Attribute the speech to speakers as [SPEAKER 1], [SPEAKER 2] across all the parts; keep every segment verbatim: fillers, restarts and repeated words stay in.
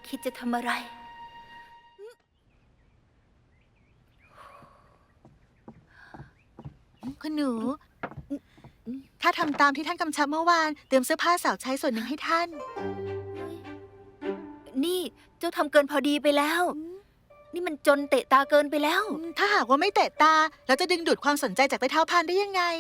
[SPEAKER 1] คิดจะทำอะไร
[SPEAKER 2] คุณหนูข้าทำตามที่ท่านกำชับเมื่อวานเตรียมเสื้อผ้าสาวใช้ส่วนหนึ่งให้ท่าน
[SPEAKER 1] นี่เจ้าทำเกินพอดีไปแล้ว นี่มันจนเตะตาเกินไปแล้ว
[SPEAKER 2] ถ้าหากว่าไม่เตะตาเราจะดึงดูดความสนใจจากใต้เท้าพานได้ยังไง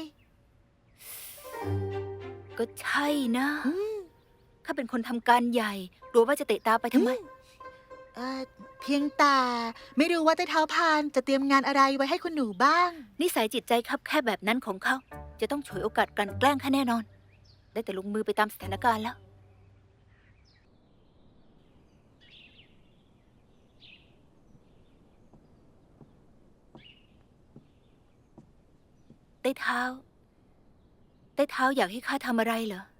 [SPEAKER 1] ก็ใช่นะข้าเป็นคนทำการใหญ่กลัวว่าจะเตะตาไปทำไม
[SPEAKER 2] เออเพียงแต่ไม่รู้ว่าใต้เท้าพานจะเตรียมงานอะไรไว้ให้คุณหนูบ้าง
[SPEAKER 1] นิสัยจิตใจคับแคบแบบนั้นของเขา จะต้องฉวยโอกาสกลั่นแกล้งข้าแน่นอน ได้แต่ลงมือไปตามสถานการณ์แล้ว ใต้เท้า ใต้เท้าอยากให้ข้าทำอะไรเหรอ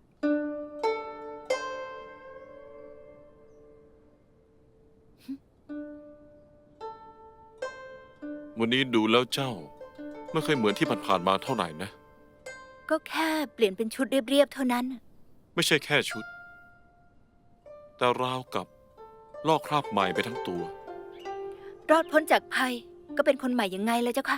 [SPEAKER 3] วันนี้ดูแล้วเจ้าไม่เคยเหมือนที่ผ่านๆมาเท่าไหร่นะ
[SPEAKER 1] ก็แค่เปลี่ยนเป็นชุดเรียบๆเท่านั้น
[SPEAKER 3] ไม่ใช่แค่ชุด แต่ราวกับลอกคราบใหม่ไปทั้งตัว
[SPEAKER 1] รอดพ้นจากภัยก็เป็นคนใหม่ยังไงเลยเจ้าคะ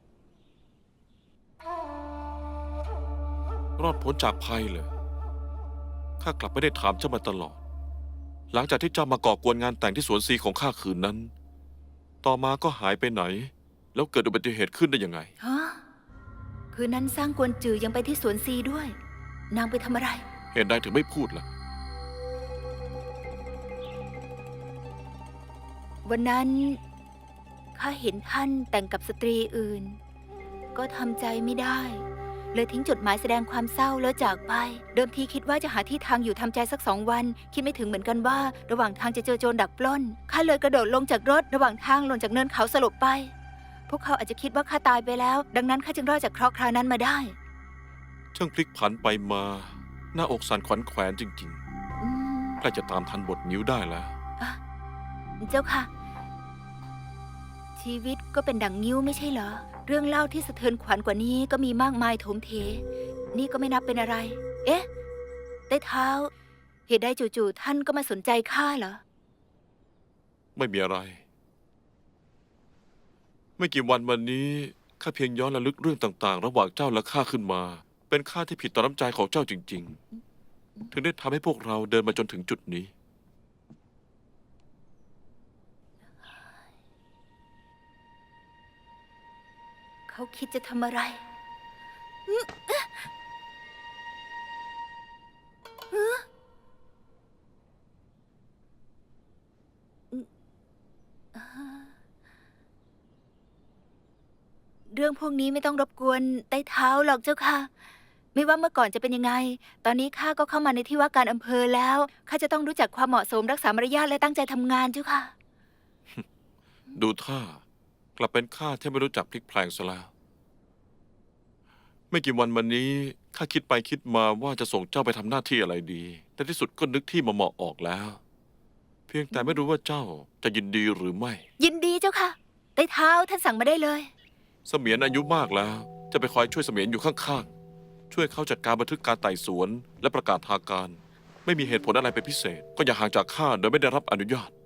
[SPEAKER 3] รอดพ้นจากภัยเลยข้ากลับไม่ได้ถามเจ้ามาตลอด หลังจากที่เจ้ามาก่อกวนงานแต่งที่สวนซีของข้าคืนนั้น ต่อมาก็หายไปไหน แล้วเกิดอุบัติเหตุขึ้นได้ยังไง
[SPEAKER 1] ฮะ คืนนั้นสร้างกวนจือยังไปที่สวนซีด้วย นางไปทำอะไร
[SPEAKER 3] เหตุใดถึงไม่พูดล่ะ
[SPEAKER 1] วันนั้นข้าเห็นท่านแต่งกับสตรีอื่น ก็ทำใจไม่ได้ เลยทิ้งจดหมายแสดงความเศร้าแล้วจากไป เดิมทีคิดว่าจะหาที่ทางอยู่ทำใจสักสองวัน คิดไม่ถึงเหมือนกันว่า ระหว่างทางจะเจอโจรดักปล้นข้าเลยกระโดดลงจากรถ ระหว่างทางหล่นจากเนินเขาสลบไป พวกเขาอาจจะคิดว่าข้าตายไปแล้ว ดังนั้นข้าจึงรอดจากเคราะห์คราวนั้นมาได้
[SPEAKER 3] ช่างพลิกผันไปมา หน้าอกสั่นขวัญแขวนจริง
[SPEAKER 1] อืม
[SPEAKER 3] ๆใกล้จะตามทันบทนิ้วได้แล้ว
[SPEAKER 1] อ่ะเจ้าค่ะ ชีวิตก็เป็นดั่งงิ้วไม่ใช่เหรอ เรื่องเล่าที่สะเทือนขวัญกว่านี้ก็มีมากมายโถมเท นี่ก็ไม่นับเป็นอะไร เอ๊ะใต้เท้า เหตุใดจู่ๆท่านก็มาสนใจข้าเหรอ
[SPEAKER 3] ไม่มีอะไร ไม่กี่วันวันนี้ข้าเพียงย้อนระลึกเรื่องต่างๆ ระหว่างเจ้าและข้าขึ้นมา เป็นข้าที่ผิดต่อน้ำใจของเจ้าจริง ๆ ถึงได้ทำให้พวกเราเดินมาจนถึงจุดนี้
[SPEAKER 1] เขาคิดจะทำอะไรอืมเอ๊ะฮะอืมอ่าเรื่องพวกนี้ไม่ต้องรบกวนใต้เท้าหรอกเจ้าค่ะ ไม่ว่าเมื่อก่อนจะเป็นยังไง ตอนนี้ข้าก็เข้ามาในที่ว่าการอำเภอแล้วข้าจะต้องรู้จักความเหมาะสมรักษามารยาทและตั้งใจทำงานเจ้าค่ะ
[SPEAKER 3] ดูท่ากลับเป็นข้าที่ไม่รู้จักพลิกแพลงซะแล้ว ไม่กี่วันมานี้ข้าคิดไปคิดมาว่าจะส่งเจ้าไปทำหน้าที่อะไรดี แต่ที่สุดก็นึกที่มาเหมาะออกแล้ว เพียงแต่ไม่รู้ว่าเจ้าจะยินดีหรือไม่
[SPEAKER 1] ยินดีเจ้าค่ะใต้เท้าท่านสั่งมาได้เลย
[SPEAKER 3] เสมียนอายุมากแล้ว จะไปคอยช่วยเสมียนอยู่ข้างๆ ช่วยเขาจัดการบันทึกการไต่สวนและประกาศทางการ ไม่มีเหตุผลอะไรเป็นพิเศษ ก็อย่าห่างจากข้าโดยไม่ได้รับอนุญาต